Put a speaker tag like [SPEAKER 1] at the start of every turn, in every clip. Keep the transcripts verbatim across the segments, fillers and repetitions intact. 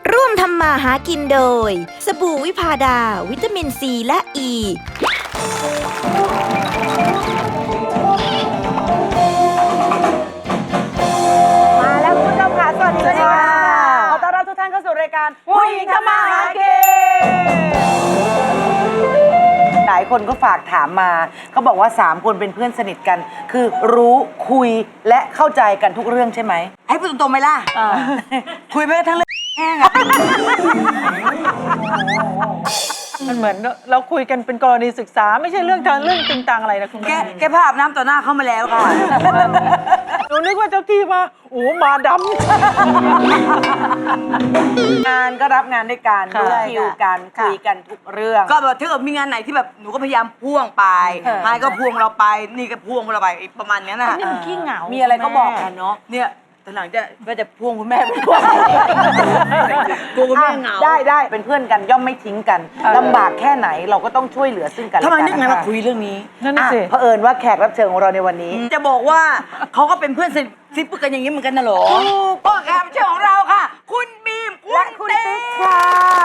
[SPEAKER 1] ร่วมทำมาหากินโดยสบู่วิพาดาวิตามินซีและอ e.
[SPEAKER 2] มาแล้วคุณผู้ชมค่ะสวัสดีค่ะขอต้อนรับทุกท่านเข้าสู่รายการผู้หญิงทำมาหากินหลายคนก็ฝากถามมาเขาบอกว่าสามคนเป็นเพื่อนสนิทกัน คือรู้คุยและเข้าใจกันทุกเรื่องใช่ไหมให้พูดตรงๆไหมล่ะคุยไปทั้งเรื่องแห้งอะ
[SPEAKER 3] มันเหมือนเราคุยกันเป็นกรณีศึกษาไม่ใช่เรื่องทางเรื่องจริงตังอะไรนะคุณ
[SPEAKER 2] แก
[SPEAKER 3] แม่
[SPEAKER 2] แกพาอาบน้ำต่อหน้าเข้ามาแล้วค่ะ
[SPEAKER 3] หนูนึกว่าเจ้าที่มาโอ้มาด
[SPEAKER 2] งานก็รับงานด้วยกัน
[SPEAKER 3] ค่ะ
[SPEAKER 2] รู้คิวกันคุยกันทุกเรื่อง
[SPEAKER 4] ก็แบบถ้าเกิดมีงานไหนที่แบบหนูก็พยายามพ่วงไป
[SPEAKER 2] เออ
[SPEAKER 4] ไฮก็พ่วงเราไป นี่ก็พ่วงเราไปประมาณเนี้ยนะ
[SPEAKER 3] นี่มันขี้เหงา
[SPEAKER 2] มีอะไรก็บอกกันเนาะ
[SPEAKER 4] เนี่ยตอนหลังจะก็จะพ่วงคุณแม่ไปด้วยกลัวคุณแม่เหงา
[SPEAKER 2] ได้ได้เป็นเพื่อนกันย่อมไม่ทิ้งกันลำบากแค่ไหนเราก็ต้องช่วยเหลือซึ่งกันและ
[SPEAKER 4] ทำไม
[SPEAKER 2] กั
[SPEAKER 4] นึกไงมาคุยเรื่องนี้
[SPEAKER 3] นั่นน่ะสิ
[SPEAKER 2] อ่ะเผอิญว่าแขกรับเชิญของเราในวันนี้
[SPEAKER 4] จะบอกว่าเขาก็เป็นเพื่อนสนิทซิปกันอย่างนี้เหมือนกันนะเหรอก็แขกรับเชิญของเราค่ะ คุณบีม
[SPEAKER 2] และคุณติ๊กค่ะ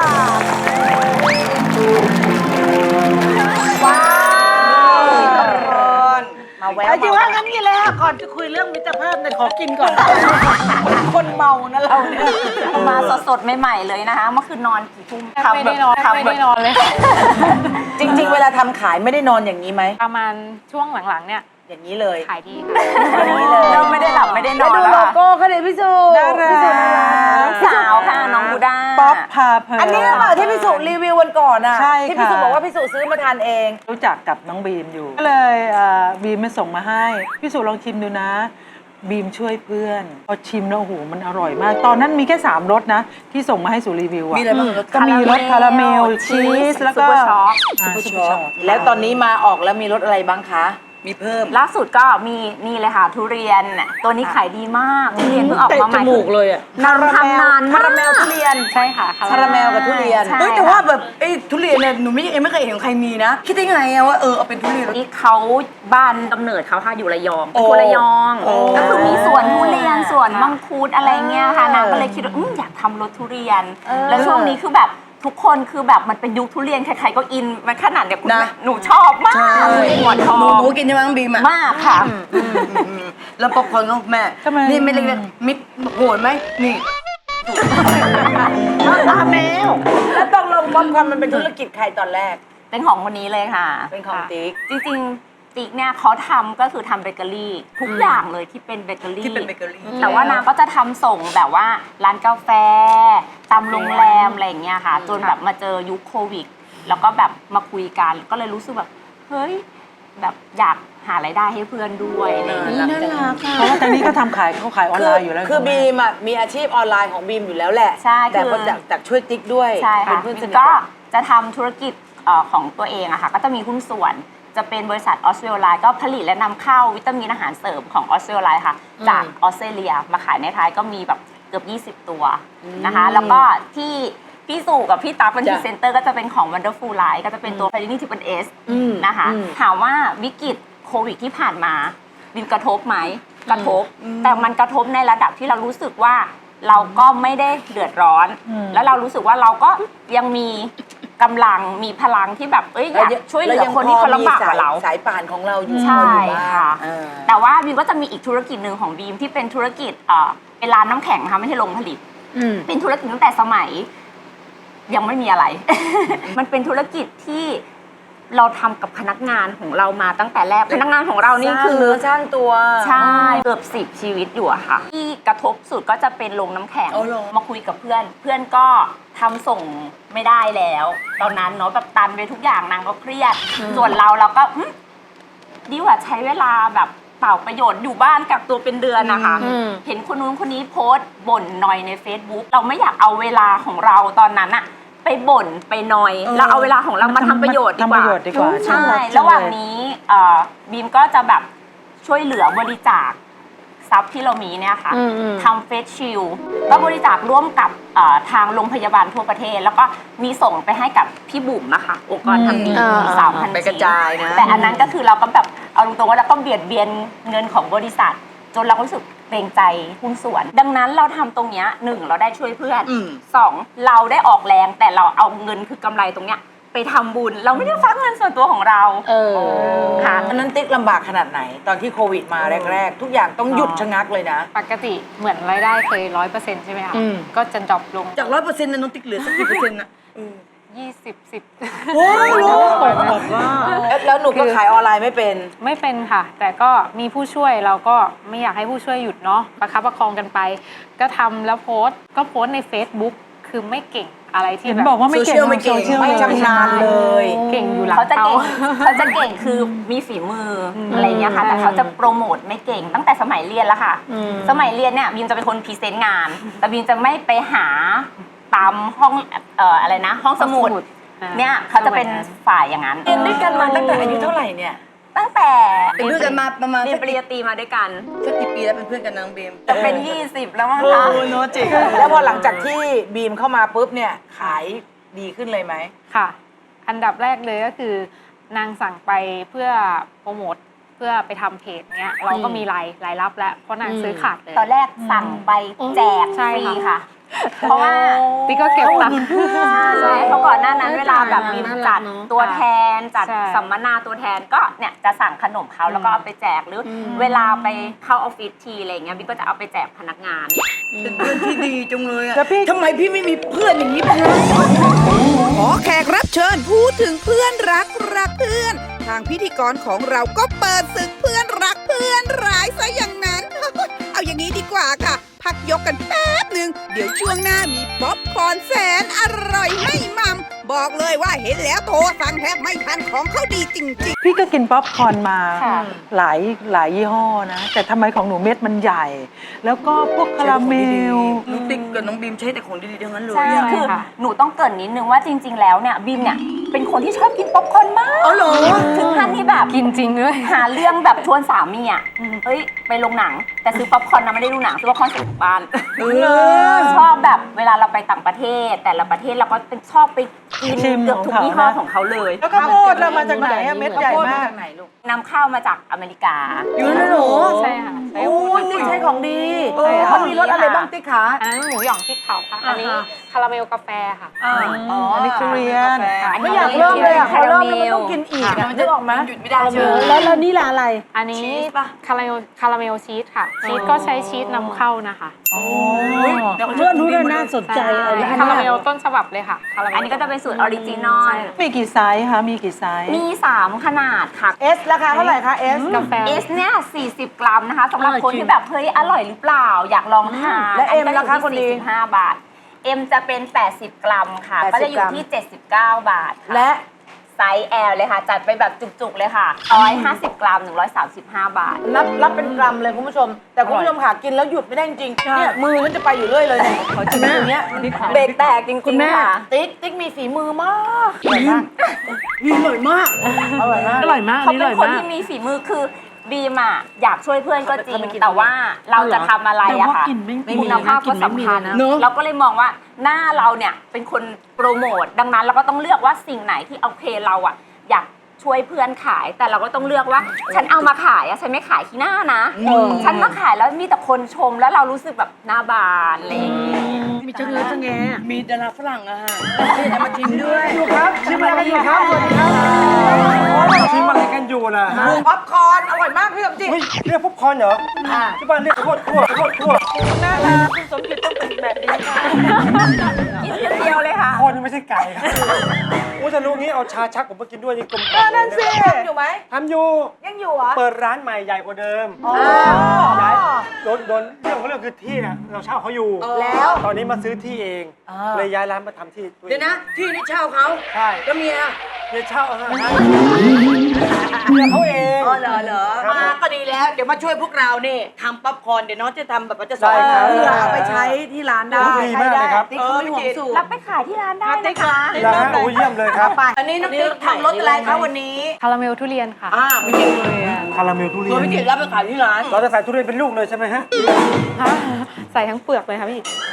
[SPEAKER 2] ว้าวมาแวะ
[SPEAKER 3] จริงว่างั้นนี่แหละก่อนจะคุยเรื่องมิตรภาพเนี่ยขอกินก่อน
[SPEAKER 2] คนเมานะเราเนี่ย
[SPEAKER 5] มาสดๆใหม่ๆเลยนะคะเมื่อคืนนอนกี่ทุ่ม
[SPEAKER 6] ไม่ได้นอนไม่ได้นอนเลย
[SPEAKER 2] จริง ๆ เวลาทำขายไม่ได้นอนอย่างนี้ไหม
[SPEAKER 6] ประมาณช่วงหลังๆเนี่ย
[SPEAKER 2] อย่างนี้เลย
[SPEAKER 6] ขายดี
[SPEAKER 2] อย่างนี้เลย
[SPEAKER 5] เริ่มไม่ได้หลับไม่ได้นอน
[SPEAKER 2] ดู
[SPEAKER 5] แล้ว
[SPEAKER 2] โล
[SPEAKER 5] ค่ะ
[SPEAKER 2] โก้เขาเลยพี่สุ
[SPEAKER 3] น่ารัก
[SPEAKER 2] พี่สุน่ารัก
[SPEAKER 5] สาวค่ะน้องบูด้า
[SPEAKER 3] ป๊อปพาเพลิน
[SPEAKER 2] อันนี้หรือเปล่าที่พี่สุรีวิววันก่อนอ่ะ
[SPEAKER 3] ใช่
[SPEAKER 2] ที่พี่
[SPEAKER 3] ค่ะ
[SPEAKER 2] สุบอกว่าพี่สุซื้อมาทานเอง
[SPEAKER 3] รู้จักกับน้องบีมอยู่ก็เลยเอ่อบีมมาส่งมาให้พี่สุลองชิมดูนะ บีมช่วยเพื่อนพอชิมแล้วโอ้โหมันอร่อยมาก ตอนนั้นมีแค่สามรสนะ ที่ส่งมาให้สุรีวิวอะ
[SPEAKER 4] มีอะไรบ้างรส
[SPEAKER 3] ก็มีรสคาราเมลชีสแล้วก็
[SPEAKER 5] ซุปเปอร์ช็อก
[SPEAKER 3] อ่าซุปเปอร์ช็อก
[SPEAKER 2] แล้วตอนนี้มาออกแล้วมีรสอะไรบ้างคะ
[SPEAKER 4] มีเพิ่ม
[SPEAKER 5] ล่าสุดก็มีนี่เลยค่ะทุเรียนตัวนี้ขายดีมากทุเรียนเพิ่งออกมาใหม่
[SPEAKER 3] เลยอะ
[SPEAKER 5] นำทำนาน
[SPEAKER 2] คาราเมลทุเรียน
[SPEAKER 6] ใช่ค่ะ
[SPEAKER 2] คาราเมลกับทุเรียน
[SPEAKER 5] ใช่
[SPEAKER 4] เฮ้ยแต่ว่าแบบไอ้ทุเรียนเนี่ยหนูไม่ยังไม่เคยเห็นของใครมีนะ คิดได้ไงอะว่าเออเอาเป็นทุเรียน
[SPEAKER 5] นี่เขาบ้านกำเนิดเขาค่ะอยู่ระยองเป็น
[SPEAKER 4] โอ้
[SPEAKER 5] คนระยอง
[SPEAKER 4] โอ้
[SPEAKER 5] ก็คือมีสวนทุเรียนสวนมังคุดอะไรเงี้ยค่ะนางก็เลยคิดว่าอืมอยากทำรสทุเรียน แล้วช่วงนี้คือแบบทุกคนคือแบบมันเป็นยุคทุเรียนใครๆก็อินมันขนาดเนี่ยคุณแม่หนูชอบมากหมอนทอง
[SPEAKER 4] หนูหนูกินใช่ไหมน้องบีมอะ
[SPEAKER 5] มากค่ะ
[SPEAKER 4] แล้วป๊อปคอร์นของแม่
[SPEAKER 3] ทำไม
[SPEAKER 4] นี่ไม่เล็กๆมิดโหดไหมนี่
[SPEAKER 2] ตาแมวแล้วตกลงป๊อปคอร์นมันเป็นธุรกิจใครตอนแรก
[SPEAKER 5] เป็นของคนนี้เลยค่ะ
[SPEAKER 2] เป็นของติ๊ก
[SPEAKER 5] จริงๆติ๊กเนี่ยเขาทำก็คือทำเบเกอรี่ทุกอย่างเลยที่เป็นเบเกอรี่
[SPEAKER 4] ที่เป็นเบเกอรี่
[SPEAKER 5] แต่ว่านางก็จะทำส่งแบบว่าร้านกาแฟตามโรงแรมอะไรอย่างเงี้ยค่ะ จนแบบมาเจอยุคโควิด แล้วก็แบบมาคุยกันก็เลยรู้สึกแบบเฮ้ยแบบอยากหารายได้ให้เพื่อนด้วยอะไรอย่างเงี้ย
[SPEAKER 4] น่ารัก
[SPEAKER 3] เพราะว่าตอนนี้ก็ทำขายเขาขายออน
[SPEAKER 2] คื
[SPEAKER 3] ไล
[SPEAKER 2] อ
[SPEAKER 3] น์อยู่แล้ว
[SPEAKER 2] คือ
[SPEAKER 3] ณแม่
[SPEAKER 2] บีมอ่ะมีอาชีพออนไลน์ของบีมอยู่แล้วแหละ
[SPEAKER 5] ใช่
[SPEAKER 2] แต่
[SPEAKER 5] คือ
[SPEAKER 2] ก็จากจากช่วยติ๊กด้วย
[SPEAKER 5] ใช่
[SPEAKER 2] เป็
[SPEAKER 5] ค่ะ
[SPEAKER 2] นเพื่อนสนิท
[SPEAKER 5] ก็
[SPEAKER 2] กัน
[SPEAKER 5] จะทำธุรกิจเอ่อของตัวเองอะค่ะก็จะมีหุ้นส่วนจะเป็นบริษัทออสเตรเลียก็ผลิตและนำเข้าวิตามินอาหารเสริมของออสเตรเลียค่ะจากออสเตรเลียมาขายในไทยก็มีแบบเกือบยี่สิบตัวนะคะแล้วก็ที่พี่สู่กับพี่ตั๊กเป็นพรีเซนเตอร์ก็จะเป็นของ Wonderful Life ก็จะเป็นตัว p a r i n i Triple S นะคะถามว่าวิกฤตโควิดที่ผ่านมาบินกระทบไหมกระทบ แต่มันกระทบในระดับที่เรารู้สึกว่าเราก็ไม่ได้เดือดร้อน แล้วเรารู้สึกว่าเราก็ยังมีกำลังมีพลังที่แบบเอ้ยอยากช่วยเหลือคนที่เขาลำบากกว่าเรา
[SPEAKER 2] สายป่านของเราอยู่
[SPEAKER 5] ใช่
[SPEAKER 2] พออยู่บ้าง
[SPEAKER 5] ค่ะ
[SPEAKER 2] เออ
[SPEAKER 5] แต่ว่าบีมก็จะมีอีกธุรกิจหนึ่งของบีมที่เป็นธุรกิจเอ่อเป็นร้านน้ำแข็งนะคะไม่ใช่โรงผลิตเป็นธุรกิจตั้งแต่สมัย ยังไม่มีอะไร มันเป็นธุรกิจที่เราทำกับพนักงานของเรามาตั้งแต่แรกพนักงานของเรานี่คือ
[SPEAKER 2] สร้างเนื้อสร้างตัว
[SPEAKER 5] ใช่เกือบสิบชีวิตอยู่อะค่ะ ที่กระทบสุดก็จะเป็นโรงน้ำแข็ง
[SPEAKER 4] เอาเหรอ
[SPEAKER 5] มาคุยกับเพื่อน เพื่อนก็ทำส่งไม่ได้แล้ว ตอนนั้นเนาะแบบตันไปทุกอย่างนางก็เครียด ส่วนเราเราก็อืมดีกว่าใช้เวลาแบบเปล่าประโยชน์อยู่บ้านกักตัวเป็นเดือนนะคะเห็นคนนู้นคนนี้โพสต์บ่นหน่อยใน Facebook เราไม่อยากเอาเวลาของเราตอนนั้นอะไปบ่นไปหน่อยเราเอาเวลาของเรามาทำประโยชน์ดีก
[SPEAKER 3] ทำป
[SPEAKER 5] ว่า
[SPEAKER 3] ระโยชน์ดีกว่า
[SPEAKER 5] ใช่
[SPEAKER 3] น่ารักจังเลย
[SPEAKER 5] ระหว่างนี้เอ่อบีมก็จะแบบช่วยเหลือบริจาคทรัพย์ที่เรามีเนี่ยค่ะทำเฟสชิลก็บริจาคร่วมกับเอ่อทางโรงพยาบาลทั่วประเทศ แล้วก็มีส่งไปให้กับพี่บุ๋มนะคะองค์กรทำดีสามพัน
[SPEAKER 4] ไปกระจายนะ
[SPEAKER 5] แต่อันนั้นก็คือเราก็แบบเอาตรงๆว่าเราก็เบียดเบียนเงินของบริษัท จนเราก็รู้สึกเกรงใจหุ้นส่วน ดังนั้นเราทำตรงเนี้ยหนึ่งเราได้ช่วยเพื่อน
[SPEAKER 4] อืม
[SPEAKER 5] สองเราได้ออกแรงแต่เราเอาเงินคือกำไรตรงเนี้ยไปทำบุญ เราไม่ได้ฟักเงินส่วนตัวของเรา
[SPEAKER 6] เออ
[SPEAKER 5] ค่ะ
[SPEAKER 2] ตอนนั้นติ๊กลำบากขนาดไหน ตอนที่โควิดมาแรก ๆ ทุกอย่างต้องหยุดชะงักเลยนะ
[SPEAKER 6] ปกติเหมือนรายได้เคยร้อยเปอร์เซ็นต์ใช่ไหมคะ
[SPEAKER 2] อืม
[SPEAKER 6] ก็จะดรอปลง
[SPEAKER 4] จากร้อยเปอร์เซ็นต์นะน้องติ๊กเหลือสักกี่เปอร์เซ็นต์นะ
[SPEAKER 6] ยี่สิบสิบ
[SPEAKER 2] โอ้ยแล้วแล้วหนูก็ขายออนไลน์ไม่เป็น
[SPEAKER 6] ไม่เป็นค่ะ แต่ก็มีผู้ช่วยเราก็ไม่อยากให้ผู้ช่วยหยุดเนาะประคับประคองกันไป ก็ทำแล้วโพสต์ก็โพสต์ใน Facebook คือไม่เก่งอะไรที่
[SPEAKER 3] เห็น
[SPEAKER 6] แบบ
[SPEAKER 3] บอกว่าไม่เก่ง
[SPEAKER 4] โซเชียลไม่เก่ง
[SPEAKER 3] โซชียล
[SPEAKER 2] ไม่ชำนาญเลย
[SPEAKER 6] เก่งอยู่หลัง
[SPEAKER 5] เขาจะ
[SPEAKER 6] เตา
[SPEAKER 5] เก่งเขาจะเก่งคือมีฝีมือออะไรเงี้ยค่ะ แต่เขาจะโปรโมทไม่เก่งตั้งแต่สมัยเรียนแล้วค่ะ สมัยเรียนเนี่ยบีมจะเป็นคนพรีเซนต์งาน แต่บีมจะไม่ไปหาตามห้องเอ่ออะไรนะ ห้องสมุด
[SPEAKER 6] อ่า
[SPEAKER 5] เนี่ยเขาจะเป็นฝ่ายอย่างนั้น
[SPEAKER 2] เรียนด้วยกันมาตั้งแต่อายุเท่าไหร่เนี่ย
[SPEAKER 5] ตั้งแต่
[SPEAKER 4] เป็นเพื่อนกันมาประมาณ
[SPEAKER 5] เรีย
[SPEAKER 4] สั
[SPEAKER 5] น
[SPEAKER 4] ก
[SPEAKER 5] ปริญญาตรีมาด้วยกัน
[SPEAKER 4] สักกี่ปีแล้วเป็นเพื่อนกันนางเบม
[SPEAKER 5] จะเป็น ยี่สิบแล้วมั้ง
[SPEAKER 2] โอ้
[SPEAKER 5] คะ
[SPEAKER 2] ยโนจิแล้วพอหลังจากที่บีมเข้ามาปุ๊บเนี่ยขายดีขึ้นเลยไหม
[SPEAKER 6] ค่ะ อันดับแรกเลยก็คือนางสั่งไปเพื่อโปรโมทเพื่อไปทำเพจเนี้ยเราก็มีรายรายรับแล้วเพราะนางซื้อขาดเลย
[SPEAKER 5] ตอนแรกสั่งไปแจก
[SPEAKER 6] ใช่
[SPEAKER 5] ฟรี
[SPEAKER 6] ค่ะ
[SPEAKER 5] ค่ะ เพราะว่า
[SPEAKER 6] ติ๊กก็เก็บตังค์
[SPEAKER 5] ใช่เพราะก่อนหน้านั้นเวลาแบบมีจัดตัวแทนจัด
[SPEAKER 6] ใช่
[SPEAKER 5] สัมมนาตัวแทนก็เนี่ยจะสั่งขนมเขาแล้วก็เอาไปแจกหรืออเวลาไปเข้าออฟฟิศทีอะไรเงี้ยบิ๊กก็จะเอาไปแจกพนักงาน
[SPEAKER 4] เป็นเพื่อนที่ดีจังเลยอะ
[SPEAKER 3] แล้วพี่
[SPEAKER 4] ทำไมพี่ไม่มีเพื่อนอย่างนี้บ้างนะ
[SPEAKER 7] ขอแขกรับเชิญพูดถึงเพื่อนรักรักเพื่อน ทางพิธีกรของเราก็เปิดศึกเพื่อนรักเพื่อนร้ายซะอย่างนั้น เอาอย่างนี้ดีกว่าค่ะ พักยกกันแป๊บหนึ่งเดี๋ยวช่วงหน้ามีป๊อปคอร์นแสนอร่อยให้มัมบอกเลยว่าเห็นแล้วโทรสั่งแทบไม่ทันของเขาดีจริงๆ
[SPEAKER 3] พี่ก็กินป๊อปคอร์นมา
[SPEAKER 6] ค่ะ
[SPEAKER 3] หลายหลายยี่ห้อนะ แต่ทำไมของหนูเม็ดมันใหญ่ แล้วก็พวกคาราเมล
[SPEAKER 4] น้องติ๊กกับน้องบีมใช้แต่ของดีๆทั้งนั้นเลย
[SPEAKER 5] ใช่
[SPEAKER 4] อะ
[SPEAKER 5] คือ
[SPEAKER 6] ค่ะ
[SPEAKER 5] หนูต้องเกรินนิดนึงว่าจริง ๆ แล้วเนี่ยบีมเนี่ยเป็นคนที่ชอบกินป๊อปคอร์นมาก
[SPEAKER 4] อ๋อเหรอ
[SPEAKER 5] ถึงขั้นที่แบบ
[SPEAKER 6] กินจริงด้วย
[SPEAKER 5] หาเรื่องแบบชวนสามีอ่ะเฮ้ยไปโรงหนัง แต่ซื้อป๊อปคอร์นนะไม่ได้ดูหนังซื้อป๊อปคอร์นใส่ถุงบ้านชอบแบบเวลาเราไปต่างประเทศ แต่ละประเทศเราก็เป็นชอบไปกิน
[SPEAKER 3] ชิม
[SPEAKER 5] เกือบทุก
[SPEAKER 3] ของเขา
[SPEAKER 5] ยี่ห้อ
[SPEAKER 3] นะ
[SPEAKER 5] ของเขาเลย
[SPEAKER 3] แล้วก็โพดเรามาจากไหนอะเม็ดใหญ่มาก
[SPEAKER 5] นำเข้ามาจากอเมริกา
[SPEAKER 4] อยู่นั่นเหรอ
[SPEAKER 6] ใช่ค่ะใช้
[SPEAKER 2] โอ้ยนี่ใช้ของดี
[SPEAKER 5] เออ
[SPEAKER 2] เขามีรสอะไรบ้างติ๊กขา
[SPEAKER 6] อันนั้นหมูหยองพริกเผาค่ะ อันนี้คาราเมลกาแฟค่ะ
[SPEAKER 2] อ๋อ
[SPEAKER 3] อันนี้ทุเรียน
[SPEAKER 2] ไม่อยากเริ่มเลยอ่ะพอเริ่มแล้วมันต้องกินอีกอะมันจะออกไหม
[SPEAKER 4] หยุดไม่ได้ใช่ไหม
[SPEAKER 3] แล้วแล้วนี่ละอะไร
[SPEAKER 6] อันนี้
[SPEAKER 4] ชีสปะ
[SPEAKER 6] คาราเมลคาราเมลชีสค่ะ ชีสก็ใช้ชีสนำเข้านะคะ
[SPEAKER 4] เดี๋ยวเรื่องนู้นน่าสนใจ
[SPEAKER 6] ใช่คาราเมลต้นฉบับเลยค่ะคาราเมล
[SPEAKER 5] อันนี้ก็จะเป็นสูตรออริจินอล
[SPEAKER 3] มีกี่ไซส์คะ มีกี่ไซส์
[SPEAKER 5] มีสามขนาดค่ะ
[SPEAKER 2] เอสราคาเท่าไหร่คะเอส
[SPEAKER 6] กาแฟ
[SPEAKER 5] เอสเนี่ยสี่สิบกรัมนะคะสำหรับคนที่แบบเฮ้ยอร่อยหรือเปล่า อยากลองทาน
[SPEAKER 2] และ M
[SPEAKER 5] นนี้ก็
[SPEAKER 2] ราคาคนดี
[SPEAKER 5] สี่สิบห้าบาท M จะเป็น แปดสิบ กรัมค่ะ
[SPEAKER 2] แปดสิบ
[SPEAKER 5] ก็จะอยู่ที่ เจ็ดสิบเก้า บาทค่ะ
[SPEAKER 2] และ
[SPEAKER 5] ไซส์ L เลยค่ะ จัดไปแบบจุกๆเลยค่ะหนึ่งร้อยห้าสิบ กรัม หนึ่งร้อยสามสิบห้า บาท
[SPEAKER 2] นับรับเป็นกรัมเลยคุณผู้ชม แต่คุณผู้ชมค่ะกินแล้วหยุดไม่ได้จริงๆเนี่ยมือฉันจะไปอยู่เรื่อยเลยเนี่ยขอจิ้มอย่างเงี้ย
[SPEAKER 5] เบรกแตกจริงๆค่ะ
[SPEAKER 2] ติ๊กติ๊กมีฝีมือมากอร่อยมาก
[SPEAKER 4] อร่อยมาก
[SPEAKER 2] อร่อยมาก
[SPEAKER 3] อร่อยมาก
[SPEAKER 5] เขาเป็นคนที่มีฝีมือคือบีมอะอยากช่วยเพื่อนก็จริง แต่ว่าเราจะทำอะไรอะค่ะคุณภาพก็สำคัญเราก็เลยมองว่าหน้าเราเนี่ยเป็นคนโปรโมทดังนั้นเราก็ต้องเลือกว่าสิ่งไหนที่โอเคเราอะอยากช่วยเพื่อนขาย แต่เราก็ต้องเลือกว่า ฉันเอามาขายอะฉันไม่ขายที่หน้านะ ฉันมาขายแล้วมีแต่คนชมแล้วเรารู้สึกแบบหน้าบานอะไรอย่างเงี้ย
[SPEAKER 4] มีจังเลยจังแงมีดาราฝรั่งอะฮะที่จะมาชิมด้วย
[SPEAKER 2] อยู่ครับชิมอะไรกันอยู่ครับสวัสดีครับ
[SPEAKER 8] ชิมอะไรกันอยู่ล่ะ
[SPEAKER 2] ป๊อปคอร์นอร่อยมากพี่สมจิต
[SPEAKER 8] เฮ้ยเรียกป๊อปคอร์นเหรอที่บ้านเรียกข้าวโพดคั่วข้าวโพดคั่ว
[SPEAKER 2] น่ารักคุณสมจิตต้องเป็นแบบนี้ค่ะ
[SPEAKER 5] กินเดียวเลยค่ะ
[SPEAKER 8] ข้าวโพดนี่ไม่ใช่ไก่ครับโอ้จะรู้งี้เอาชาชักผมมากินด้วยนี่กลมกล่อม
[SPEAKER 2] นั่นสิอยู่ไหม
[SPEAKER 8] ทำอยู่
[SPEAKER 2] ยังอยู่เหรอ
[SPEAKER 8] เปิดร้านใหม่ใหญ่กว่าเดิม
[SPEAKER 2] อ๋อ
[SPEAKER 8] ย้ายโดนโดนเรื่องของเรื่องคือที่เนี่ยเราเช่าเขาอยู่
[SPEAKER 2] แล้ว
[SPEAKER 8] ตอนนี้มาซื้อที่เอง
[SPEAKER 2] อ่า
[SPEAKER 8] เลยย้ายร้านมาทำที่ตัวเอง
[SPEAKER 4] เดี๋ยวนะ ที่นี่เช่าเขา
[SPEAKER 8] ใช่
[SPEAKER 4] แล้วเมีย
[SPEAKER 8] เนี่ยเช่าเอาฮะเมียเขาเอง
[SPEAKER 4] อ๋อเหรอเหรอ
[SPEAKER 8] ครับ
[SPEAKER 4] มาก็ดีแล้ว เดี๋ยวมาช่วยพวกเราเนี่ยทำป๊อปคอร์นเดี๋ยวน้องจะทำแบบว่าจะสอน
[SPEAKER 8] ได้ครับ
[SPEAKER 4] เพื่อเอาไปใช้ที่ร้านได้
[SPEAKER 8] ดีมากเลยครับ
[SPEAKER 4] ติ๊กเขาไม่ห่วงสูตร
[SPEAKER 5] รับไปขายที่ร้านได้นะคะ
[SPEAKER 8] แล้วฮะโอ้เยี่ยมเลยครับ
[SPEAKER 4] อันนี้น้องติ๊กทำรสอะไรคะวันนี้
[SPEAKER 6] คาราเมลทุเรียนค่ะ
[SPEAKER 4] อ่าไม่จริงเลย
[SPEAKER 8] คาราเมลทุเรี
[SPEAKER 4] ตั
[SPEAKER 8] ยว น
[SPEAKER 4] พี่จิตรับไปขายที่ร้าน
[SPEAKER 8] เราจะใส่ทุเรียนเป็นลูกเลยใช่ไหมฮะ
[SPEAKER 6] ใส่ทั้งเปลือกเลยค่ะพี่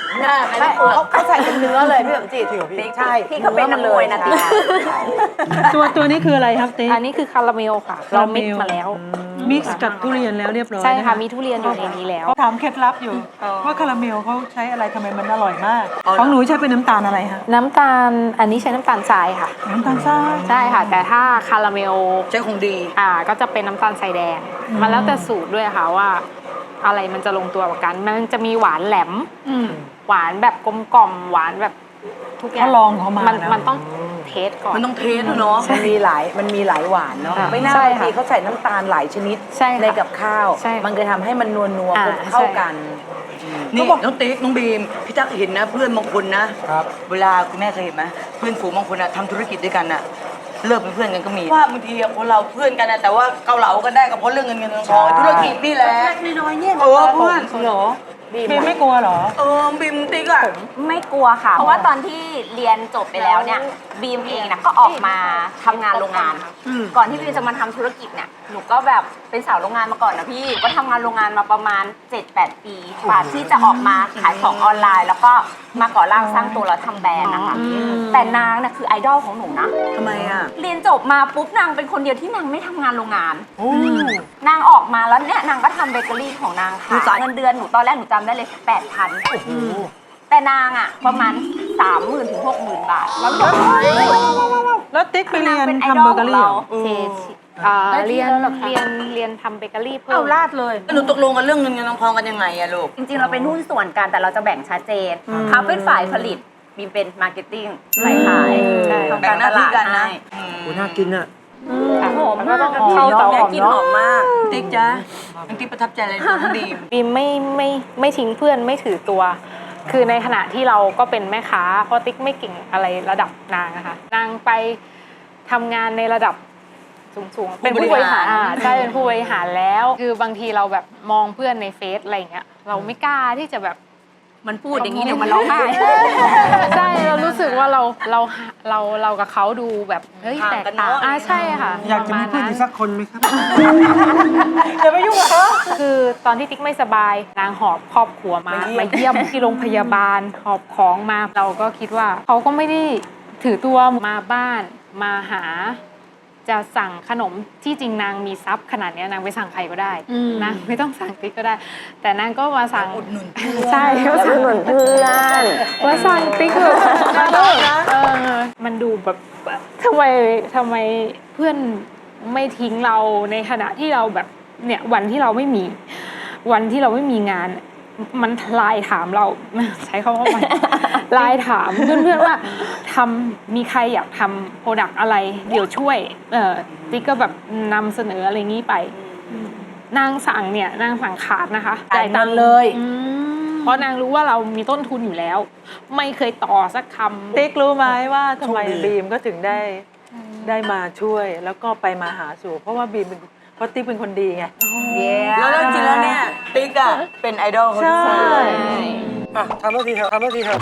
[SPEAKER 2] น่าเขาเขาใส่เป็นเนื้อเลยพี่สมจิตใช่
[SPEAKER 5] พี่เขาเป็นนักมวยนะติ๊ก
[SPEAKER 3] ตัวตัวนี้คืออะไรครับติ๊ก
[SPEAKER 6] อันนี้คือคาราเมลค่ะ เรามิกซ์มาแล้ว
[SPEAKER 3] มิกซ์กับทุเรียนแล้วเรียบร้อย
[SPEAKER 6] ใช่ค่ะ
[SPEAKER 3] น
[SPEAKER 6] มีทุเรียนอยู่ในนี้แล้ว
[SPEAKER 3] ถามเคล็ดลับอยู่ว่าคาราเมลเขาใช้อะไรทำไมมันอร่อยมาก ของหนูใช้เป็นน้ำตาลอะไรคะ
[SPEAKER 6] น้ำตาล อันนี้ใช้น้ำตาลทรายค่ะ
[SPEAKER 3] น้ำตาลทราย
[SPEAKER 6] ใช่ค่ะ แต่ถ้าคาราเมล
[SPEAKER 4] ใช้คงดี
[SPEAKER 6] อ่าก็จะเป็นน้ำตาลทรายแดง มันแล้วแต่สูตรด้วยค่ะว่า อะไรมันจะลงตัวกว่ากัน มันจะมีหวานแหลม หวานแบบกลมกล่อมหวานแบบทุกอย่าง
[SPEAKER 3] เขาลองเขามา
[SPEAKER 6] มัน
[SPEAKER 3] นะ
[SPEAKER 6] มันต้องเทสก่อน
[SPEAKER 4] มันต้องเทสด้วยเนาะ
[SPEAKER 2] มันมีหลายมันมีหลายหวานเนาะ
[SPEAKER 6] ค่ะ
[SPEAKER 2] ไม่น่า
[SPEAKER 6] ใช่
[SPEAKER 2] บาง
[SPEAKER 6] ค่ะ
[SPEAKER 2] ทีเขาใส่น้ำตาลหลายชนิด
[SPEAKER 6] ใช่ค่ะ
[SPEAKER 2] ในกับข้าว
[SPEAKER 6] ใช่ค่ะ
[SPEAKER 2] มันจะทำให้มันนัวนัว
[SPEAKER 6] อ่า
[SPEAKER 2] เข้า
[SPEAKER 6] ใช่
[SPEAKER 2] กัน
[SPEAKER 4] นี่น้องติ๊กน้องบีมพี่ตั๊กเห็นนะ เพื่อนบางคนนะ
[SPEAKER 8] ครับ
[SPEAKER 4] เวลาคุณแม่เคยเห็นไหมเพื่อนฝูงบางคนอะทำธุรกิจด้วยกันอะเลิกเป็นเพื่อนกันก็มีว่าบางทีอะคนเราเพื่อนกันนะแต่ว่าเกาเหลากันได้ก็เพราะเรื่องเงินเงินทองทองธุรกิจนี่แหละน้อยๆเนี่ยเออเพื่อนเหรอ
[SPEAKER 3] บีมไม่กลัวเหรอ
[SPEAKER 4] เออบีมติ๊กอะ
[SPEAKER 5] ไม่กลัวค่ะ เพราะว่าตอนที่เรียนจบไปแล้วเนี่ยบีมเองนะก็ออกมาทำงานโรงงานค่ะก่อนที่บีมจะมาทำธุรกิจเนี่ยหนูก็แบบเป็นสาวโรงงานมาก่อนนะพี่ก็ทำงานโรงงานมาประมาณ เจ็ดแปด ปีกว่าที่จะออกมาขายของออนไลน์ แล้วก็มาก่อร่างสร้างตัวแล้วทำแบรนด์นะคะแต่นางน่ะคือไอดอลของหนูนะ
[SPEAKER 4] ทำไมอะ
[SPEAKER 5] เรียนจบมาปุ๊บนางเป็นคนเดียวที่นางไม่ทำงานโรงงานนางออกมาแล้วเนี่ยนางก็ทำเบเกอรี่ของนางค่ะเงินเดือนหนูตอนแรกหนูจำได้เลยแปดพันแต่นางอ่ะประมาณสามหมื่นถึงหกหมื่นบาทแล้วก็
[SPEAKER 3] แล้วติ๊กไปเรียน
[SPEAKER 5] เป็นไอ
[SPEAKER 3] ทำ
[SPEAKER 5] ดอ
[SPEAKER 3] เบ
[SPEAKER 5] ล
[SPEAKER 3] เกอ
[SPEAKER 5] ของ
[SPEAKER 3] รี่
[SPEAKER 5] เรา
[SPEAKER 3] เหรอ
[SPEAKER 6] เทอ่าเรียนเรียนเรียนทำเบเกอรี่เพิ่ม
[SPEAKER 2] เอาลาดเลย
[SPEAKER 4] แล้วหนูตกลงกันเรื่องเงินเงินทองทองกันยังไงอะลูก
[SPEAKER 5] จริงๆเราเป็นหุ้นส่วนกันแต่เราจะแบ่งชัดเจนเขาเป็นฝ่ายผลิตบีมเป็นมาร์เก็ตติ้งฝ่ายขาย
[SPEAKER 6] ใช่
[SPEAKER 5] ทำ
[SPEAKER 4] แบ่
[SPEAKER 5] กาง ร
[SPEAKER 4] ห
[SPEAKER 5] ต
[SPEAKER 4] น้าที่
[SPEAKER 5] ลาด
[SPEAKER 4] กันนะ
[SPEAKER 5] ให้
[SPEAKER 8] โอ้น่ากินอ่ะ
[SPEAKER 5] หอม
[SPEAKER 6] แล้วก็
[SPEAKER 5] มาก
[SPEAKER 6] ต้องเข้าเตา
[SPEAKER 5] แม่
[SPEAKER 6] หอม
[SPEAKER 5] กิน
[SPEAKER 6] เนาะ
[SPEAKER 5] หอมมาก
[SPEAKER 4] ติ๊กจ๊ะน้องติ๊กประทับใจอะไรในน้องบีม
[SPEAKER 6] บีมไม่ไม่ไม่ทิ้งเพื่อนไม่ถือตัว คือในขณะที่เราก็เป็นแม่ค้าเพราะติ๊กไม่เก่งอะไรระดับนางนะคะนางไปทำงานในระดับสูงๆเป็นผู้บริหารอ่าใช่เป็นผู้บริหารแล้ว คือบางทีเราแบบมองเพื่อนในเฟซอะไรอย่างเงี้ยเราไม่กล้าที่จะแบบ
[SPEAKER 5] มันพูดอย่างนี้เดี๋ยวมันร้องไห้
[SPEAKER 6] ใช่เรารู้สึกว่าเราเราเราเรากับเขาดูแบบเฮ้ย
[SPEAKER 4] ห่าง
[SPEAKER 6] แตก
[SPEAKER 4] กัน
[SPEAKER 6] ต่าง
[SPEAKER 4] เนอะ
[SPEAKER 6] อ่าใช่ค่ะ
[SPEAKER 8] อยากจะมี
[SPEAKER 6] ปร
[SPEAKER 8] เพื่อน
[SPEAKER 6] ณ
[SPEAKER 8] อีกสักคนไหมครับ
[SPEAKER 3] อย่าไปยุ่งกับเขา
[SPEAKER 6] คือตอนที่ติ๊กไม่สบายนางหอบครอบครัวมามาเยี่ยมที่โรงพยาบาลหอบของมาเราก็คิดว่าเขาก็ไม่ได้ถือตัวมาบ้านมาหา จะสั่งขนมที่จริงนางมีทรัพย์ขนาดเนี้ยนางไปสั่งใครก็ได้นางไม่ต้องสั่งติ๊กก็ได้ แต่นางก็มาสั่ง
[SPEAKER 4] อุดหนุนเพื่อน
[SPEAKER 6] ใช่ก็สั่งอุดหนุนเพื่อนมาสั่งติ๊กแบบเออมันดูแบบทำไมทำไมเพื่อนไม่ทิ้งเราในขณะที่เราแบบเนี่ยวันที่เราไม่มี วันที่เราไม่มีงาน มันไลน์ถามเราใช้คำว่ามันไลน์ถามเพื่อนๆว่าทำมีใครอยากทำโปรดักต์อะไร เดี๋ยวช่วยเออติ๊กก็แบบนำเสนออะไรงี้ไป นางสั่งเนี่ยนางสั่งขาดนะคะ
[SPEAKER 2] จ่ายตังค์เลย
[SPEAKER 6] อืมเพราะนางรู้ว่าเรามีต้นทุนอยู่แล้ว ไม่เคยต่อสักคำ
[SPEAKER 3] ติ๊กรู้ไหมว่าทำไม
[SPEAKER 8] โชคดี
[SPEAKER 3] บีมก็ถึงได้ได้มาช่วยแล้วก็ไปมาหาสู่ เพราะว่าบีมเป็นเพราะติ๊กเป็นคนดีไง
[SPEAKER 4] แล้วจริงๆแล้วเนี่ยติ๊กอะเป็นไอดอลเขาด้วย
[SPEAKER 3] ใช่
[SPEAKER 8] อ่ะทำแล้วทีเถอะทำแล้วทีเถอะ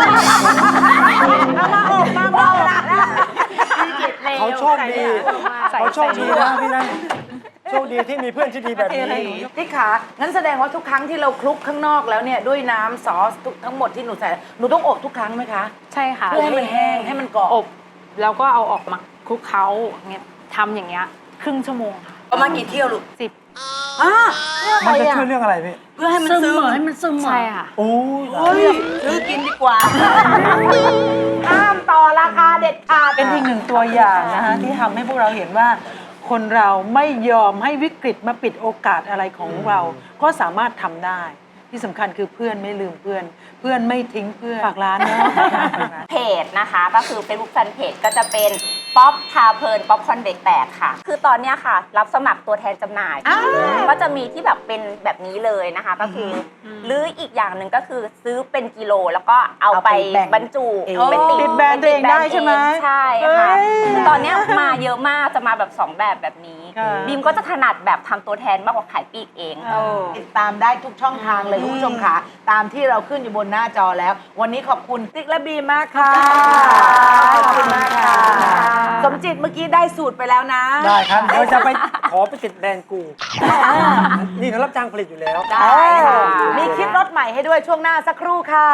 [SPEAKER 8] เขาโชคดีเขาโชคดีนะพี่นะโชคดีที่มีเพื่อนที่ดีแบบนี้
[SPEAKER 2] ติ๊กขางั้นแสดงว่าทุกครั้งที่เราคลุกข้างนอกแล้วเนี่ยด้วยน้ำซอสทุกทั้งหมดที่หนูใส่หนูต้องอบทุกครั้งไหมคะ
[SPEAKER 6] ใช่ค่ะ
[SPEAKER 2] เพื่อให้มันแห้งให้มันกรอบ
[SPEAKER 6] อบแล้วก็เอาออกมาคลุกเคล้าเงี้ยทำอย่างเงี้ยครึ่งชั่วโมงค่ะ
[SPEAKER 4] ประมาณกี่เที่ยวลูก
[SPEAKER 6] สิบ
[SPEAKER 4] อ่ะ
[SPEAKER 8] มันจะช่วยเรื่องอะไรพี่
[SPEAKER 4] เพื่อให้มันซึมให้มันซึม
[SPEAKER 6] ใช่ค่ะ
[SPEAKER 8] โอ้ย
[SPEAKER 4] เฮ้ยซื้อกินดีกว่า
[SPEAKER 2] ห้ามต่อราคาเด็ดขาด
[SPEAKER 3] เป็นอีกหนึ่งตัวอย่างนะคะที่ทำให้พวกเราเห็นว่า คนเราไม่ยอมให้วิกฤตมาปิดโอกาสอะไรของเรา ก็สามารถทำได้ ที่สำคัญคือเพื่อนไม่ลืมเพื่อน เพื่อนไม่ทิ้งเพื่อนฝากร้านเนาะ
[SPEAKER 5] เพจนะคะก็คือ Facebook Fanpage ก็จะเป็นป๊อปพาเพลินป๊อปคอนเด็กแตกค่ะ คือตอนเนี้ยค่ะ รับสมัครตัวแทนจำหน่าย ก็จะมีที่แบบเป็นแบบนี้เลยนะคะ ก็คืออหรืออีกอย่างหนึ่งก็คือซื้อเป็นกิโลแล้วก็เอาไป
[SPEAKER 2] เอาไปแบ่ง
[SPEAKER 5] บรรจุ
[SPEAKER 2] เอง
[SPEAKER 5] เป็น
[SPEAKER 3] ติดแบรนด์ตัวเองได้ใช่ไหม
[SPEAKER 5] ใช่ค่ะ
[SPEAKER 3] เฮ้ย
[SPEAKER 5] คือตอนเนี้ยมาเยอะมากจะมาแบบสองแบบแบบนี้
[SPEAKER 3] ค่ะ
[SPEAKER 5] บีมก็จะถนัดแบบทำตัวแทนมากกว่าขายปลีกเอง
[SPEAKER 2] ติดตามได้ทุกช่องทางเลยคุณผู้ชมค่ะ ตามที่เราขึ้นอยู่บนหน้าจอแล้ว วันนี้ขอบคุณติ๊กและบีมมากค่ะขอบคุณมากค่ะ สมจิตเมื่อกี้ได้สูตรไปแล้วนะ
[SPEAKER 8] ได้ครับเดี๋ยวจะไปขอไปติดแบรนด์กู นี่เขารับจ้างผลิตอยู่แล้ว
[SPEAKER 2] ได้ค่ะมีคลิปรถใหม่ให้ด้วยช่วงหน้าสักครู่ค่ะ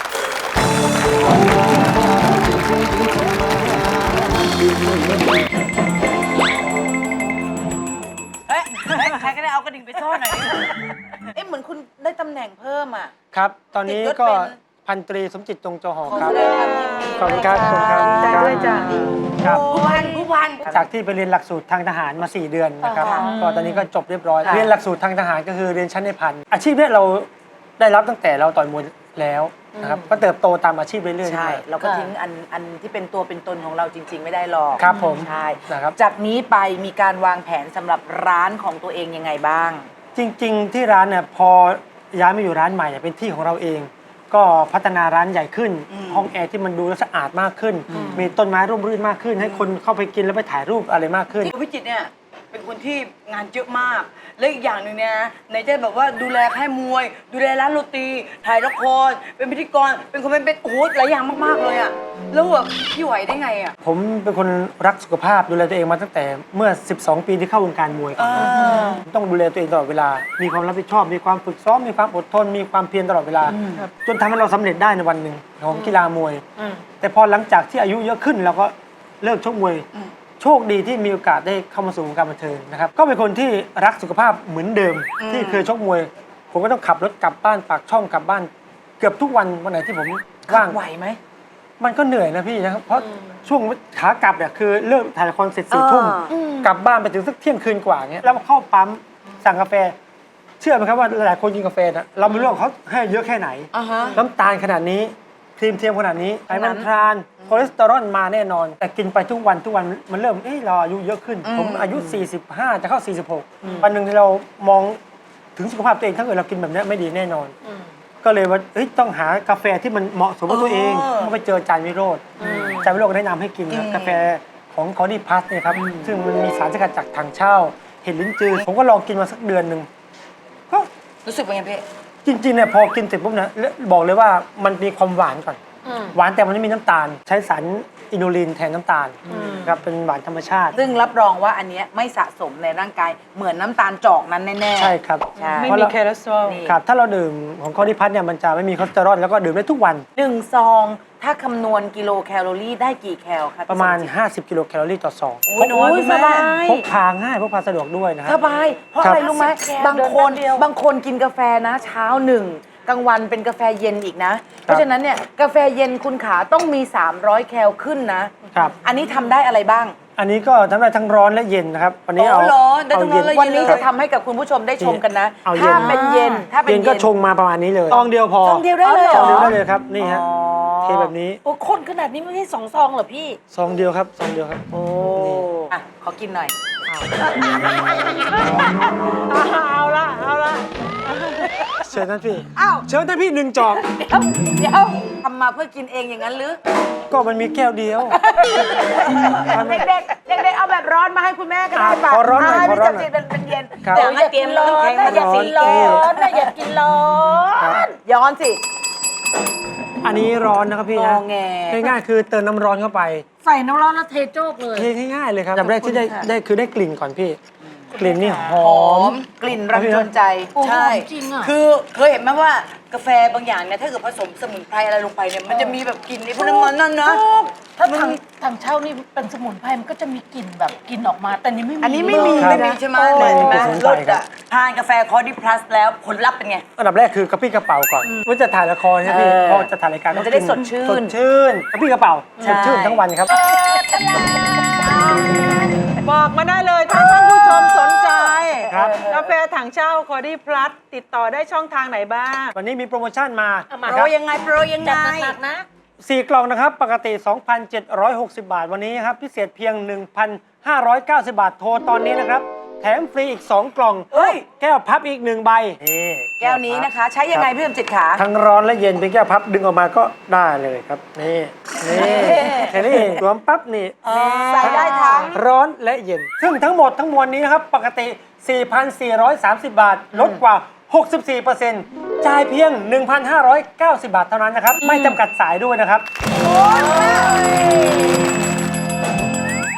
[SPEAKER 2] เฮ้ยเฮ้ยใครก็ได้เอากระดิ่งไปซ่อนหน่อยดิเอ๊ะเหมือนคุณได้ตำแหน่งเพิ่มอ่ะ
[SPEAKER 8] ครับ ตอนนี้ก็
[SPEAKER 2] ติดยศเป็น
[SPEAKER 8] พันตรีสมจิตจงจอหอ
[SPEAKER 2] ขอ
[SPEAKER 8] ครับ
[SPEAKER 2] แสดงความยินดี
[SPEAKER 8] ขอบคุณครับขอบคุณครับ
[SPEAKER 3] ดีใจด้วยจ้ะ
[SPEAKER 8] ครับ
[SPEAKER 2] ผู้พันผู้พัน
[SPEAKER 8] จากที่ไปเรียนหลักสูตรทางทหารมา สี่ เดือนนะครับ
[SPEAKER 2] ค่ะ
[SPEAKER 8] ก็ตอนนี้ก็จบเรียบร้อย
[SPEAKER 2] ค่ะ
[SPEAKER 8] เรียนหลักสูตรทางทหารก็คือเรียนชั้นในพันอาชีพเนี้ยเราได้รับตั้งแต่เราต่อยมวยแล้วนะครับ ก็เติบโตตามอาชีพเรื่อยๆ
[SPEAKER 2] ใช่
[SPEAKER 8] มา
[SPEAKER 2] เราก็ทิ้งอันอันที่เป็นตัวเป็นตนของเราจริง ๆ ไม่ได้หรอก
[SPEAKER 8] ครับผม
[SPEAKER 2] ใช่
[SPEAKER 8] นะครับ
[SPEAKER 2] จากนี้ไปมีการวางแผนสำหรับร้านของตัวเองยังไงบ้าง
[SPEAKER 8] จริงๆที่ร้านเนี่ยพอย้ายมาอยู่ร้านใหม่เนี่ยเป็นที่ของเราเอง ก็พัฒนาร้านใหญ่ขึ้น ห้องแอร์ที่มันดูแล้วสะอาดมากขึ้น มีต้นไม้ร่มรื่นมากขึ้น ให้คนเข้าไปกินแล้วไปถ่ายรูปอะไรมากขึ้น
[SPEAKER 4] พี่จิตรเนี่ยเป็นคนที่งานเยอะมาก และอีกอย่างหนึ่งเนี่ยนะไหนจะแบบว่าดูแลค่ายมวย ดูแลร้านโรตี ถ่ายละคร เป็นพิธีกร เป็นคนเป็นเป็นโอ้โหหลายอย่างมากๆเลยอะแล้วแบบพี่ไหวได้ไงอะ
[SPEAKER 8] ผมเป็นคนรักสุขภาพดูแลตัวเองมาตั้งแต่เมื่อ สิบสอง ปีที่เข้าวงการมวยก่อนต้องดูแลตัวเองตลอดเวลา มีความรับผิดชอบ มีความฝึกซ้อม มีความอดทน มีความเพียรตลอดเวลา จนทำให้เราสำเร็จได้ในวันหนึ่งของกีฬามวย แต่พอหลังจากที่อายุเยอะขึ้นเราก็เลิกชกมวย โชคดีที่มีโอกาสได้เข้ามาสู่วงการบันเทิงนะครับ ก็เป็นคนที่รักสุขภาพเหมือนเดิม ที่เคยชกมวย ผมก็ต้องขับรถกลับบ้านปากช่องกลับบ้าน เกือบทุกวันวันไหนที่ผมว่าง
[SPEAKER 2] ไหวไหม
[SPEAKER 8] มันก็เหนื่อยนะพี่นะครับ เพราะช่วงขากลับเนี่ยคือเลิกถ่ายละครเสร็จสี่ทุ่ม
[SPEAKER 2] อืม
[SPEAKER 8] กลับบ้านไปถึงสักเที่ยงคืนกว่าเงี้ยแล้วเข้าปั๊มสั่งกาแฟ เชื่อไหมครับว่าหลายๆคนกินกาแฟนะเราไม่รู้ว่าเขาให้เยอะแค่ไหน
[SPEAKER 2] อ่าฮะ
[SPEAKER 8] น้ำตาลขนาดนี้ครีมเทียมขนาดนี้ไขมันทรานคอเลสเตอรอลมาแน่นอน แต่กินไปทุกวันทุกวันมันเริ่มเอ้ยเราอายุเยอะขึ้น ผมอายุ สี่สิบห้า จะเข้า สี่สิบหก วันหนึ่งที่เรามองถึงสุขภาพตัวเองถ้าเกิดเรากินแบบนี้ไม่ดีแน่นอน ก็เลยว่าเอ้ยต้องหากาแฟที่มันเหมาะสมกับตัวเองก็ไปเจอจานวิโรธจานวิโรธก็แนะนำให้กินครับกาแฟของคอร์ดี้พัสเนี่ยครับซึ่งมันมีสารสกัดจากถังเช่าเห็ดลิ้นจือผมก็ลองกินมาสักเดือนหนึ่งก็
[SPEAKER 4] รู้สึกเป็นไงพี่
[SPEAKER 8] จริงๆเนี่ยพอกินเสร็จปุ๊บนะบอกเลยว่ามันมีความหวานก่อนหวานแต่มันไม่มีน้ำตาล ใช้สารอินูลินแทนน้ำตาลครับเป็นหวานธรรมชาติ
[SPEAKER 2] ซึ่งรับรองว่าอันเนี้ยไม่สะสมในร่างกายเหมือนน้ำตาลจอกนั้นแน่ๆ
[SPEAKER 8] ใช่ครับ
[SPEAKER 2] ใช่
[SPEAKER 3] ไม่
[SPEAKER 8] เพราะ
[SPEAKER 3] มี
[SPEAKER 8] เรา
[SPEAKER 3] คอเลสเตอรอล
[SPEAKER 2] นี่
[SPEAKER 8] ครับถ้าเราดื่มของคอร์ดี้พัสเนี่ยมันจะไม่มีคอเลสเตอรอลแล้วก็ดื่มได้ทุกวัน
[SPEAKER 2] หนึ่งซอง ถ้าคำนวณกิโลแคลอรี่ได้กี่แคลครับ
[SPEAKER 8] ประมาณ
[SPEAKER 2] พี่สจิต
[SPEAKER 8] ห้าสิบ กิโลแคลอรี่ต่อซอง
[SPEAKER 2] โอ้ยน้อยสบาย
[SPEAKER 8] พกพาง่ายพกพาสะดวกด้วยนะค
[SPEAKER 2] ส
[SPEAKER 8] รับ
[SPEAKER 2] บาย เพราะ
[SPEAKER 8] ครั
[SPEAKER 2] อะ
[SPEAKER 8] บ
[SPEAKER 2] ไรรู้ไหมบางคนบางคนกินกาแฟนะ เช้าหนึ่งกลางวันเป็นกาแฟเย็นอีกนะ เพราะฉะนั้นเนี่ยกาแฟเย็นคุณขาต้องมี สามร้อย แคลขึ้นนะ
[SPEAKER 8] ครับ
[SPEAKER 2] อันนี้ทำได้อะไรบ้าง
[SPEAKER 8] อันนี้ก็ทำได้ทั้งร้อนและเย็นนะครับวันนี้เอา
[SPEAKER 4] อ๋อเหรอได้ทั้งร้อนและ
[SPEAKER 2] วันนี้จะทำให้กับคุณผู้ชมได้ชมกันนะ
[SPEAKER 8] เอาเย็น
[SPEAKER 2] ถ้าเป็นเย็นถ้าเป็น
[SPEAKER 8] เย็น
[SPEAKER 2] เย็น
[SPEAKER 8] ก็ชงมาประมาณนี้เลยซองเดียวพอ
[SPEAKER 2] ซองเดียวได้เลยเหร
[SPEAKER 8] ซองเดียว
[SPEAKER 2] อ
[SPEAKER 8] ได้เลยครับนี่ฮะ
[SPEAKER 2] อ๋อ
[SPEAKER 8] เทแบบนี้
[SPEAKER 1] โอ้คนขนาดนี้ไม่ใช่สองซองเหรอพี่
[SPEAKER 8] ซองเดียวครับซองเดียวครับ
[SPEAKER 2] โอ้อ่ะขอกินหน่อย
[SPEAKER 3] เอาละเอาละ
[SPEAKER 8] เชิญท่านพี่
[SPEAKER 2] อ้าว
[SPEAKER 8] เชิญท่านพี่หนึ่งจอก
[SPEAKER 2] เดี๋ยวเดี๋ยวทำมาเพื่อกินเองอย่างนั้นหรือ
[SPEAKER 8] ก็มันมีแก้วเดียว
[SPEAKER 2] เด็กๆ เด็กๆ เอาแบบร้อนมาให้คุณแม่ก็ได้ป่ะ
[SPEAKER 8] ขอร้อนหน่อย
[SPEAKER 2] ให้
[SPEAKER 8] ขอ
[SPEAKER 2] พี่
[SPEAKER 8] ร้อน
[SPEAKER 2] จัก
[SPEAKER 8] หน่อย
[SPEAKER 2] รีเป็นเป็นเย็น
[SPEAKER 8] ครับ
[SPEAKER 2] แต่อย่ากินร้อนนะอย่ากินร้อนนะอย่ากินร้อนย้อนสิ
[SPEAKER 8] อันนี้ร้อนนะครับพี่
[SPEAKER 2] ง
[SPEAKER 8] นะ
[SPEAKER 2] อแง
[SPEAKER 8] ง่ายๆคือเติมน้ำร้อนเข้าไป
[SPEAKER 1] ใส่น้ำร้อนแล้วเทโจกเลย
[SPEAKER 8] เทง่ายๆเลยครับจำแรกที่ได้ได้คือได้กลิ่นก่อนพี่ กลิ่นนี่ห
[SPEAKER 2] ห
[SPEAKER 8] อ
[SPEAKER 2] อ
[SPEAKER 8] ม
[SPEAKER 2] มกลิ่นรังจนใจ
[SPEAKER 1] โอ้โห
[SPEAKER 4] ใช่
[SPEAKER 1] จริงอะ
[SPEAKER 4] คือเคยเห็นไหมว่ากาแฟบางอย่างเนี่ยถ้าเกิดผสมสมุนไพรอะไรลงไปเนี่ยมันจะมีแบบกลิ่นในพวกน้ำมันนั่นนะ
[SPEAKER 1] ถ้าทางทางเช่านี่เป็นสมุนไพรมันก็จะมีกลิ่นแบบกลิ่นออกมา แต่นี่ไม่มี
[SPEAKER 2] อันนี้ไม่มี
[SPEAKER 8] ครับ
[SPEAKER 4] ไม่มีใช่ไหม
[SPEAKER 8] ไม่
[SPEAKER 4] เลย
[SPEAKER 8] มี
[SPEAKER 4] ใช่ไหม
[SPEAKER 8] กลิ่นสมุนไพ
[SPEAKER 4] ร
[SPEAKER 8] ร
[SPEAKER 4] ส
[SPEAKER 8] ครับ
[SPEAKER 4] อ่ะทานกาแฟคอร์ดี้พลัสแล้วผลลัพธ์เป็นไง
[SPEAKER 8] อันดับแรกคือกระปี้กระเป๋าก่อนว่าจะถ่ายละครใช่ไหมพี่
[SPEAKER 2] เออ
[SPEAKER 8] พอจะถ่ายรายการ
[SPEAKER 2] มันจะได้
[SPEAKER 8] ต้อง
[SPEAKER 2] ส
[SPEAKER 8] กิ
[SPEAKER 2] ดชื่น
[SPEAKER 8] สดชื่นกระปี้กระเป๋า
[SPEAKER 2] ใช่
[SPEAKER 8] สดชื่นทั้งวันครับ
[SPEAKER 3] บอกมาได้เลยถ้าท่านผู้ชมสนใจ
[SPEAKER 8] ครับ
[SPEAKER 3] กาแฟถังเช่าคอร์ดี้พลัสติดต่อได้ช่องทางไหนบ้าง
[SPEAKER 8] วันนี้มีโปรโมชั่นมา
[SPEAKER 1] เอามา
[SPEAKER 8] นะ
[SPEAKER 4] โป
[SPEAKER 8] ค
[SPEAKER 4] ร
[SPEAKER 8] รับ
[SPEAKER 4] ยังไงโปรยังไง
[SPEAKER 1] จัดหนักๆนะ
[SPEAKER 8] สี่กล่องนะครับ ปกติ สองพันเจ็ดร้อยหกสิบ บาท วันนี้ครับ พิเศษเพียง หนึ่งพันห้าร้อยเก้าสิบ บาท โทรตอนนี้นะครับ แถมฟรีอีก สอง กล่อง
[SPEAKER 2] เฮ้ย
[SPEAKER 8] แก้วพับอีกหนึ่งใบนี่
[SPEAKER 2] แก้วนี้นะคะ ใช้ยังไงพี่สมจิตขา
[SPEAKER 8] ทั้งร้อนและเย็นเป็นแก้วพับดึงออกมาก็ได้เลยครับ นี่นี่แค่นี้เองสวมปั๊บนี่
[SPEAKER 2] ใส่ได้ทั้ง
[SPEAKER 8] ร้อนและเย็น ซึ่งทั้งหมดทั้งมวลนี้นะครับ ปกติ สี่พันสี่ร้อยสามสิบ บาท ลดกว่า หกสิบสี่เปอร์เซ็นต์ จ่ายเพียง หนึ่งพันห้าร้อยเก้าสิบ บาทเท่านั้นนะครับ ไม่จำกัดสายด้วยนะครับ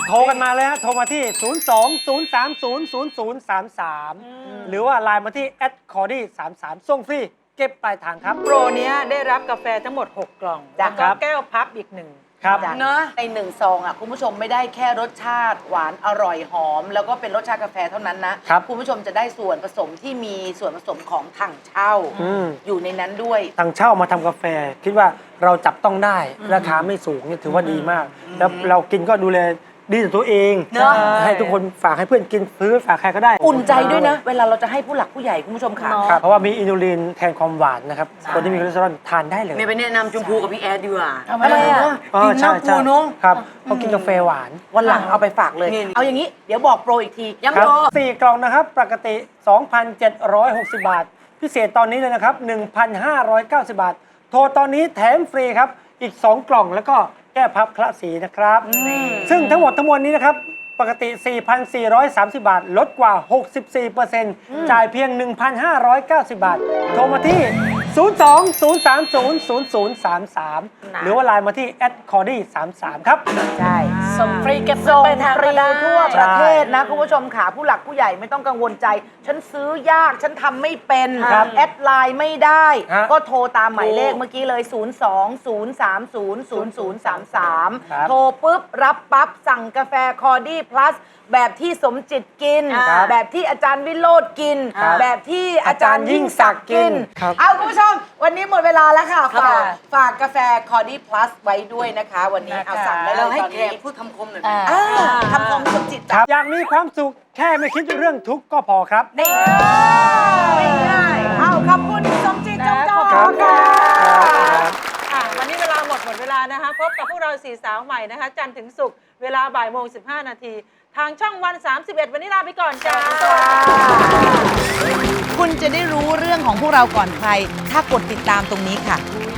[SPEAKER 8] โทรกันมาเลยฮะโทรมาที่ ศูนย์ สอง ศูนย์ สาม ศูนย์ ศูนย์ ศูนย์ สาม สาม หรือว่าไลน์มาที่ แอท คอร์ดี้ สาม สาม ส่งฟรีเก็บปลายทางครับ
[SPEAKER 3] โปรเนี้ยได้รับกาแฟทั้งหมด หก กล่อง
[SPEAKER 2] จ้ะ
[SPEAKER 3] แล้วก็แก้วพับอีกหนึ่ง
[SPEAKER 8] ครับ
[SPEAKER 2] เนอะในหนึ่งซองอ่ะคุณผู้ชมไม่ได้แค่รสชาติหวานอร่อยหอม แล้วก็เป็นรสชาติกาแฟเท่านั้นนะครับ คุณผู้ชมจะได้ส่วนผสมที่มีส่วนผสมของถังเช่า
[SPEAKER 8] อืม
[SPEAKER 2] อยู่ในนั้นด้วย
[SPEAKER 8] ทางเช่ามาทำกาแฟ คิดว่าเราจับต้องได้ราคาไม่สูงเนี่ยถือว่าดีมาก แล้วเรากินก็ดูแลดีต่อตัวเอง
[SPEAKER 2] เนอะ
[SPEAKER 8] ให้ทุกคนฝากให้เพื่อนกินซื้อฝากใครก็ได้
[SPEAKER 2] อุ่นใจด้วยนะ เวลาเราจะให้ผู้หลักผู้ใหญ่คุณผู้ชมค่ะ
[SPEAKER 8] ครับเพราะว่ามีอินูลินแทนความหวานนะครับคนที่มีคอเลสเตอรอลทานได้เลย
[SPEAKER 4] เมย์ไปแนะนำชมพูกับพี่แอดดีกว่า
[SPEAKER 2] ทำไมอะ
[SPEAKER 8] อ๋อ
[SPEAKER 4] กิน
[SPEAKER 8] ใช่
[SPEAKER 4] น้ำ
[SPEAKER 8] ใช่
[SPEAKER 4] ปูเนาะ
[SPEAKER 8] ครับเขากินกาแฟหวาน
[SPEAKER 2] วันหลังเอาไปฝากเลย
[SPEAKER 4] นี่
[SPEAKER 2] เอาอย่างนี้เดี๋ยวบอกโปรอีกที
[SPEAKER 4] ย้ำ
[SPEAKER 8] ครับ
[SPEAKER 4] โปร
[SPEAKER 8] สี่กล่องนะครับ ปกติ สองพันเจ็ดร้อยหกสิบ บาท พิเศษตอนนี้เลยนะครับ หนึ่งพันห้าร้อยเก้าสิบ บาท โทรตอนนี้แถมฟรีครับ อีก สอง กล่องแล้วก็แก้พับคละสีนะครับ ซึ่งทั้งหมดทั้งมวลนี้นะครับ ปกติ สี่พันสี่ร้อยสามสิบ บาท ลดกว่า หกสิบสี่เปอร์เซ็นต์ จ่ายเพียง หนึ่งพันห้าร้อยเก้าสิบ บาท โทรมาที่ ศูนย์ สอง ศูนย์ สาม ศูนย์ ศูนย์ ศูนย์ สาม สาม หรือว่าไลน์มาที่ แอท คอร์ดี้ สาม สาม ครับ
[SPEAKER 2] ใช่
[SPEAKER 4] ส่งฟรีเก็บเงิ
[SPEAKER 2] ส่
[SPEAKER 4] น
[SPEAKER 2] ง
[SPEAKER 4] ไปทาง
[SPEAKER 2] ฟรี
[SPEAKER 4] ก็ได้
[SPEAKER 2] ทั่วประเทศนะคุณผู้ชมค่ะผู้หลักผู้ใหญ่ไม่ต้องกังวลใจ ฉันซื้อยากฉันทำไม่เป็น
[SPEAKER 8] ครับ
[SPEAKER 2] แอดไลน์ไม่ได้
[SPEAKER 8] ฮะ
[SPEAKER 2] ก็โทรตามหมายเลขเมื่อกี้เลย ศูนย์ สอง ศูนย์ สาม ศูนย์ ศูนย์ ศูนย์ สาม สาม
[SPEAKER 8] ครับ
[SPEAKER 2] โทรปุ๊บ รับปั๊บ สั่งกาแฟคอร์ดี้พลัสแบบที่สมจิตกิน
[SPEAKER 8] ครับ
[SPEAKER 2] แบบที่อาจารย์วิโรธกิน
[SPEAKER 8] ครับ
[SPEAKER 2] แบบที่อาจารย์ยิ่งศักดิ์กิน
[SPEAKER 8] ครับ
[SPEAKER 2] เอาคุณผู้ชม วันนี้หมดเวลาแล้วค่ะ
[SPEAKER 4] ครับ
[SPEAKER 2] ฝาก
[SPEAKER 4] ผม
[SPEAKER 2] ฝากกาแฟคอร์ดี้พลัสไว้ด้วยนะคะ วันนี้เอาสั่งได้เล
[SPEAKER 4] เรา
[SPEAKER 2] ย
[SPEAKER 4] ให้
[SPEAKER 2] ตอน
[SPEAKER 4] แข
[SPEAKER 2] นี้
[SPEAKER 4] กพูดคำคมหน่อยไหม
[SPEAKER 2] อ่าทำความสมจิต
[SPEAKER 8] ครับอยากมีความสุขแค่ไม่คิดเรื่องทุกข์ก็พอครับ
[SPEAKER 2] นี่ง่ายๆเอาขอบคุณสมจิตจงจอ
[SPEAKER 8] ครับ
[SPEAKER 2] ค่ะ
[SPEAKER 3] อ่ะวันนี้เวลาหมดหมดเวลานะคะพบกับพวกเราสี่สาวใหม่นะคะ จันทร์ถึงศุกร์เวลาบ่ายโมงสิบห้านาทีทางช่องวัน สามสิบเอ็ด วันนี้ลาไปก่อนจ้า
[SPEAKER 2] คุณจะได้รู้เรื่องของพวกเราก่อนใคร ถ้ากดติดตามตรงนี้ค่ะ